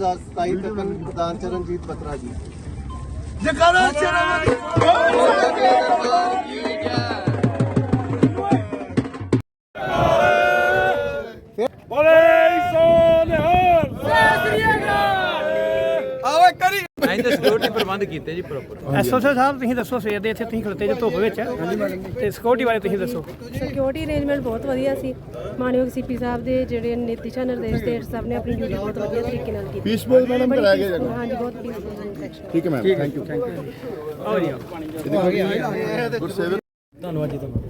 2027 ਤੱਕ ਪ੍ਰਧਾਨ ਚਰਨਜੀਤ ਬਤਰਾ ਜੀ। ਜਕਾਰਾ सिक्योरिटी प्रबंध कीते जी प्रॉपर। ਐਸਓਸੀ ਸਾਹਿਬ ਤੁਸੀਂ ਦੱਸੋ ਸਵੇਰ ਦੇ ਇੱਥੇ ਤੁਸੀਂ ਖਲੋਤੇ ਜੋ ਧੁੱਪ ਵਿੱਚ ਤੇ ਸਿਕਿਉਰਿਟੀ ਬਾਰੇ ਤੁਸੀਂ ਦੱਸੋ। ਸਿਕਿਉਰਿਟੀ ਅਰੇਂਜਮੈਂਟ ਬਹੁਤ ਵਧੀਆ ਸੀ। ਮਾਨਯੋਗ ਸੀਪੀ ਸਾਹਿਬ ਦੇ ਜਿਹੜੇ ਦਿਸ਼ਾ ਨਿਰਦੇਸ਼ ਦੇ ਸਭ ਨੇ ਆਪਣੀ ਡਿਊਟੀ ਬਹੁਤ ਵਧੀਆ ਤਰੀਕੇ ਨਾਲ ਕੀਤੀ। ਪੀਸਫੁਲ ਮੈਡਮ ਕਰਾਇਆ ਗਿਆ ਜਗ੍ਹਾ। ਹਾਂਜੀ ਬਹੁਤ ਪੀਸਫੁਲ। ਠੀਕ ਹੈ ਮੈਮ, ਥੈਂਕ ਯੂ। ਆਓ ਜੀ ਗੁਰਸੇਵਕ ਧੰਨਵਾਦ ਜੀ ਤੁਹਾਨੂੰ।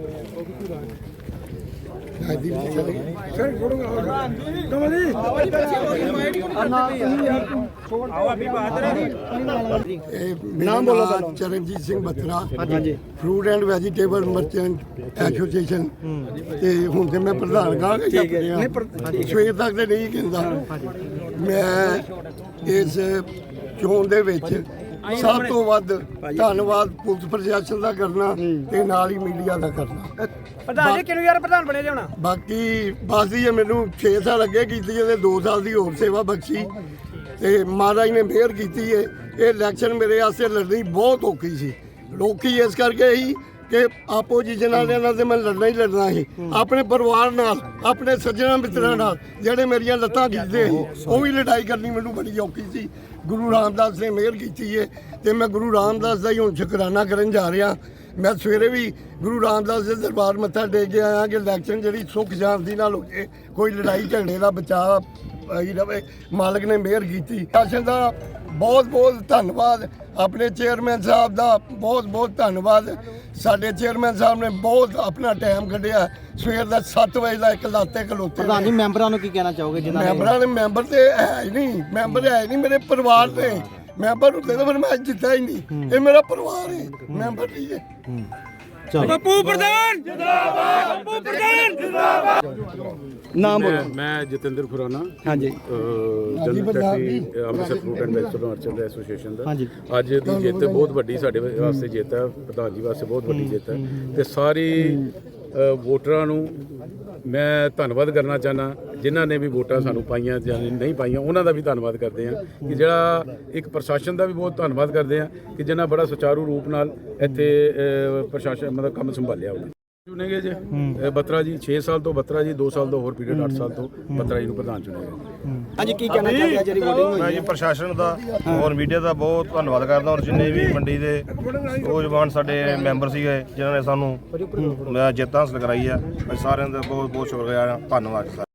ਨਾਮ ਬੋਲੋ। Charanjit Singh Batra, fruit and vegetable merchant association ਤੇ ਹੁਣ ਤੇ ਮੈਂ ਪ੍ਰਧਾਨ ਕਹਾਂਗਾ। ਸਵੇਰ ਤੱਕ ਤੇ ਨਹੀਂ ਕਹਿੰਦਾ। ਮੈਂ ਇਸ ਚੋਣ ਦੇ ਵਿੱਚ ਸਭ ਤੋਂ ਵੱਧ ਧੰਨਵਾਦ ਪੁਲਿਸ ਪ੍ਰਸ਼ਾਸਨ ਦਾ ਕਰਨਾ ਤੇ ਨਾਲ ਹੀ ਮੀਡੀਆ ਦਾ ਕਰਨਾ। ਪ੍ਰਧਾਨ ਜੀ ਕਿਹਨੂੰ ਯਾਰ ਪ੍ਰਧਾਨ ਬਣੇ ਜੇ ਹੋਣਾ। ਬਾਕੀ ਬਸ ਜੀ ਮੈਨੂੰ 6 ਸਾਲ ਅੱਗੇ ਕੀਤੀ ਤੇ 2 ਸਾਲ ਦੀ ਹੋਰ ਸੇਵਾ ਬਖਸ਼ੀ ਤੇ ਮਹਾਰਾਜ ਨੇ ਮਿਹਰ ਕੀਤੀ ਹੈ। ਇਹ ਇਲੈਕਸ਼ਨ ਮੇਰੇ ਵਾਸਤੇ ਲੜਨੀ ਬਹੁਤ ਔਖੀ ਸੀ। ਲੋਕੀ ਇਸ ਕਰਕੇ ਹੀ ਕਿ ਆਪੋਜੀਸ਼ਨ ਵਾਲਿਆਂ ਨਾਲ ਤੇ ਮੈਂ ਲੜਨਾ ਹੀ ਲੜਨਾ ਸੀ। ਆਪਣੇ ਪਰਿਵਾਰ ਨਾਲ, ਆਪਣੇ ਸੱਜਣਾ ਮਿੱਤਰਾਂ ਨਾਲ ਜਿਹੜੇ ਮੇਰੀਆਂ ਲੱਤਾਂ ਖਿੱਚਦੇ ਸੀ, ਉਹ ਵੀ ਲੜਾਈ ਕਰਨੀ ਮੈਨੂੰ ਬੜੀ ਔਖੀ ਸੀ। ਗੁਰੂ ਰਾਮਦਾਸ ਨੇ ਮਿਹਰ ਕੀਤੀ ਹੈ ਤੇ ਮੈਂ ਗੁਰੂ ਰਾਮਦਾਸ ਦਾ ਹੀ ਹੁਣ ਸ਼ੁਕਰਾਨਾ ਕਰਨ ਜਾ ਰਿਹਾ। ਮੈਂ ਸਵੇਰੇ ਵੀ ਗੁਰੂ ਰਾਮਦਾਸ ਦੇ ਦਰਬਾਰ ਮੱਥਾ ਟੇਕ ਕੇ ਆਇਆ ਕਿ ਇਲੈਕਸ਼ਨ ਜਿਹੜੀ ਸੁੱਖ ਸ਼ਾਂਤੀ ਨਾਲ ਹੋ ਜੇ, ਕੋਈ ਲੜਾਈ ਝਗੜੇ ਦਾ ਬਚਾਅ ਹੀ ਰਵੇ। ਮਾਲਕ ਨੇ ਮਿਹਰ ਕੀਤੀ। ਸ਼ਾਸਨ ਦਾ ਬਹੁਤ ਬਹੁਤ ਧੰਨਵਾਦ। ਆਪਣੇ ਚੇਅਰਮੈਨ ਸਾਹਿਬ ਦਾ ਬਹੁਤ ਬਹੁਤ ਧੰਨਵਾਦ। ਸਾਡੇ ਚੇਅਰਮੈਨ ਸਾਹਿਬ ਨੇ ਬਹੁਤ ਆਪਣਾ ਟਾਈਮ ਕੱਢਿਆ। ਸਵੇਰ ਦਾ 7 ਵਜੇ ਦਾ ਇੱਕ ਲਾਤੇ ਖਲੋਤੇ। प्रधान जी ਮੈਂਬਰਾਂ ਨੂੰ ਕੀ ਕਹਿਣਾ ਚਾਹੋਗੇ ਜਿਨ੍ਹਾਂ ਮੈਂਬਰਾਂ ਨੇ ਮੈਂਬਰ ਤੇ ਹੈ ਹੀ ਨਹੀਂ। ਮੈਂਬਰ ਹੈ ਹੀ ਨਹੀਂ ਮੇਰੇ ਪਰਿਵਾਰ ਦੇ। ਮੈਂਬਰ ਹੁੰਦੇ ਤਾਂ ਫਿਰ ਮੈਂ ਜਿੱਤਾ ਹੀ ਨਹੀਂ। ਇਹ ਮੇਰਾ ਪਰਿਵਾਰ ਹੈ, ਮੈਂਬਰ ਨਹੀਂ ਹੈ। ਬੱਪੂ ਪ੍ਰਧਾਨ ਜਿੰਦਾਬਾਦ। ਬੱਪੂ ਪ੍ਰਧਾਨ ਜਿੰਦਾਬਾਦ। ਨਾਮ ਬੋਲੋ। मैं जतिंदर खुराना ਹਾਂਜੀ general secretary Amritsar fruit and vegetable merchant association ਦਾ। ਹਾਂਜੀ। ਅੱਜ ਦੀ ਜਿੱਤ ਬਹੁਤ ਵੱਡੀ ਸਾਡੇ ਵਾਸਤੇ ਜਿੱਤ ਹੈ, ਪ੍ਰਧਾਨ ਜੀ ਵਾਸਤੇ ਬਹੁਤ ਵੱਡੀ ਜਿੱਤ ਹੈ ਤੇ ਸਾਰੀ ਵੋਟਰਾਂ ਨੂੰ ਮੈਂ ਧੰਨਵਾਦ ਕਰਨਾ ਚਾਹੁੰਦਾ ਜਿਨ੍ਹਾਂ ਨੇ ਵੀ ਵੋਟਾਂ ਸਾਨੂੰ ਪਾਈਆਂ ਜਾਂ ਨਹੀਂ ਪਾਈਆਂ। ਉਹਨਾਂ ਦਾ ਵੀ ਧੰਨਵਾਦ ਕਰਦੇ ਹਾਂ ਕਿ ਜਿਹੜਾ ਇੱਕ ਪ੍ਰਸ਼ਾਸਨ ਦਾ ਵੀ ਬਹੁਤ ਧੰਨਵਾਦ ਕਰਦੇ ਹਾਂ ਕਿ ਜਿਨ੍ਹਾਂ ਬੜਾ ਸੁਚਾਰੂ ਰੂਪ ਨਾਲ ਇੱਥੇ ਪ੍ਰਸ਼ਾਸਨ ਮਤਲਬ ਕੰਮ ਸੰਭਾਲਿਆ ਉਹਨੇ। ਚੁਣੇ ਗਏ ਜੇ ਬਤਰਾ ਜੀ 6 ਸਾਲ ਤੋਂ ਬਤਰਾ ਜੀ 2 ਸਾਲ ਤੋਂ ਹੋਰ ਪੀਰੀਅਡ 8 ਸਾਲ ਤੋਂ ਬਤਰਾ ਜੀ ਨੂੰ ਪ੍ਰਧਾਨ ਚੁਣਿਆ ਗਿਆ। ਹਾਂਜੀ ਕੀ ਕਹਿਣਾ ਚਾਹੁੰਦੇ ਜਿਹੜੀ VOTING ਹੋਈ ਮੈਂ ਜੀ ਪ੍ਰਸ਼ਾਸਨ ਦਾ ਔਰ ਮੀਡੀਆ ਦਾ ਬਹੁਤ ਧੰਨਵਾਦ ਕਰਦਾ ਔਰ ਜਿੰਨੇ ਵੀ ਮੰਡੀ ਦੇ ਨੌਜਵਾਨ ਸਾਡੇ ਮੈਂਬਰ ਸੀਗੇ ਜਿਨ੍ਹਾਂ ਨੇ ਸਾਨੂੰ ਜਿੱਤ ਹਾਸਲ ਕਰਾਈ ਆ, ਅਸੀਂ ਸਾਰਿਆਂ ਦਾ ਬਹੁਤ ਬਹੁਤ ਸ਼ੁਕਰੀਆ ਆ। ਧੰਨਵਾਦ ਸਰ।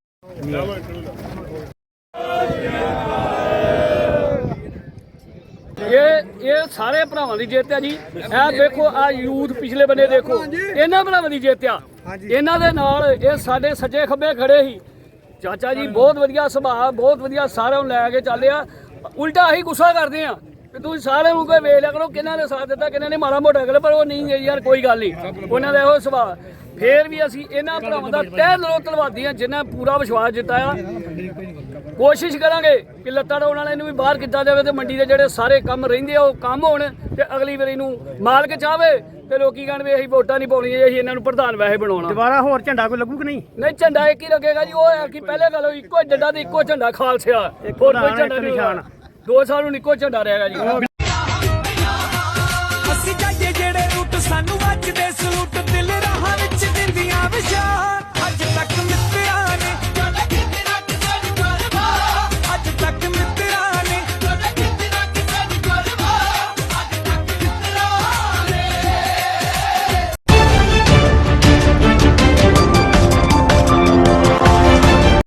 ਇਹ ਸਾਰੇ ਭਰਾਵਾਂ ਦੀ ਜਿੱਤ ਹੈ ਜੀ। ਇਹ ਦੇਖੋ ਆ ਯੂਥ ਪਿਛਲੇ ਬੰਨੇ ਦੇਖੋ, ਇਹਨਾਂ ਭਰਾਵਾਂ ਦੀ ਜਿੱਤ ਆ। ਇਹਨਾਂ ਦੇ ਨਾਲ ਇਹ ਸਾਡੇ ਸੱਜੇ ਖੱਬੇ ਖੜੇ ਸੀ। ਚਾਚਾ ਜੀ ਬਹੁਤ ਵਧੀਆ ਸੁਭਾਅ, ਬਹੁਤ ਵਧੀਆ ਸਾਰਿਆਂ ਨੂੰ ਲੈ ਕੇ ਚੱਲਿਆ। ਉਲਟਾ ਅਸੀਂ ਗੁੱਸਾ ਕਰਦੇ ਆ ਕਿ ਤੁਸੀਂ ਸਾਰਿਆਂ ਨੂੰ ਕੋਈ ਵੇਖ ਲਿਆ ਕਰੋ ਕਿਹਨਾਂ ਨੇ ਸਾਥ ਦਿੱਤਾ ਕਿਹਨਾਂ ਨੇ ਮਾੜਾ ਮੋਟਾ ਕਰ, ਪਰ ਉਹ ਨਹੀਂ ਯਾਰ ਕੋਈ ਗੱਲ ਨਹੀਂ, ਉਹਨਾਂ ਦਾ ਇਹੋ ਸੁਭਾਅ। ਫੇਰ ਵੀ ਅਸੀਂ ਇਹਨਾਂ ਭਰਾਵਾਂ ਦਾ ਤਹਿ ਦਿਲੋਂ ਧੰਨਵਾਦੀ ਹਾਂ ਜਿਨ੍ਹਾਂ ਪੂਰਾ ਵਿਸ਼ਵਾਸ ਜਿਤਾਇਆ। ਕੋਸ਼ਿਸ਼ ਕਰਾਂਗੇ ਕਿ ਲੱਤਾਂ ਡਾਉਣ ਵਾਲਿਆਂ ਨੂੰ ਵੀ ਬਾਹਰ ਕੀਤਾ ਜਾਵੇ ਤੇ ਮੰਡੀ ਦੇ ਜਿਹੜੇ ਸਾਰੇ ਕੰਮ ਰਹਿੰਦੇ ਆ ਉਹ ਕੰਮ ਹੋਣ ਤੇ ਅਗਲੀ ਵਾਰੀ ਨੂੰ ਮਾਲਕ ਚਾਹਵੇ ਤੇ ਲੋਕੀ ਕਹਿਣ ਵੀ ਅਸੀਂ ਵੋਟਾਂ ਨਹੀਂ ਪਾਉਣੀਆਂ, ਅਸੀਂ ਇਹਨਾਂ ਨੂੰ ਪ੍ਰਧਾਨ ਵੈਸੇ ਬਣਾਉਣਾ। ਦੁਬਾਰਾ ਹੋਰ ਝੰਡਾ ਕੋਈ ਲੱਗੂ ਕਿ ਨਹੀਂ? ਨਹੀਂ ਝੰਡਾ ਇੱਕ ਹੀ ਲੱਗੇਗਾ ਜੀ। ਉਹ ਹੈ ਕਿ ਪਹਿਲੇ ਗੱਲ ਇੱਕੋ ਡੱਡਾ ਤੇ ਇੱਕੋ ਝੰਡਾ ਖਾਲਸਿਆ, ਹੋਰ ਕੋਈ ਝੰਡਾ ਨਹੀਂ। 2 ਸਾਲ ਨੂੰ ਇੱਕੋ ਝੰਡਾ ਰਹੇਗਾ ਜੀ।